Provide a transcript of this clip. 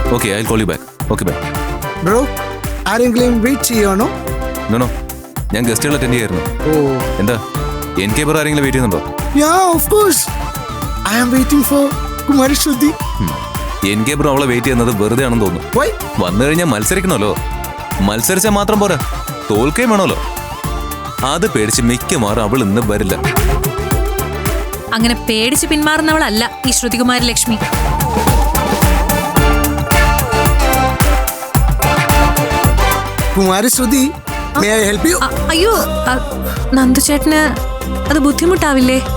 Okay I call you back. Okay bye. Bro ആരെങ്കിലും wait ചെയ്യണോ? No ഞാൻ ഗസ്റ്റുകൾ അറ്റൻഡ് ചെയ്യായിരുന്നു. ഓ എന്താ എനിക്ക് വേറെ ആരെങ്കിലും വെയിറ്റ് ചെയ്യുന്നുണ്ടോ? Yeah of course I am waiting for Kumari Shruti. എനിക്ക് ബ്രോ അവളെ വെയിറ്റ് ചെയ്യുന്നത് വെറുതെ ആണെന്ന് തോന്നുന്നു. വൈ? വന്നു കഴിഞ്ഞാൽ മത്സരിക്കണമല്ലോ. മത്സരിച്ചാൽ മാത്രം പോരാ, തോൽക്കുകയും വേണമല്ലോ. അത് പേടിച്ച് മിക്കവാറും അവൾ ഇന്ന് വരില്ല. അങ്ങനെ പേടിച്ച് പിന്മാറുന്നവളല്ല ഈ ശ്രുതികുമാരി ലക്ഷ്മി. കുമാരി ശ്രുതി, may I help you? അയ്യോ, നന്ദു ചേട്ടന് അത് ബുദ്ധിമുട്ടാവില്ലേ?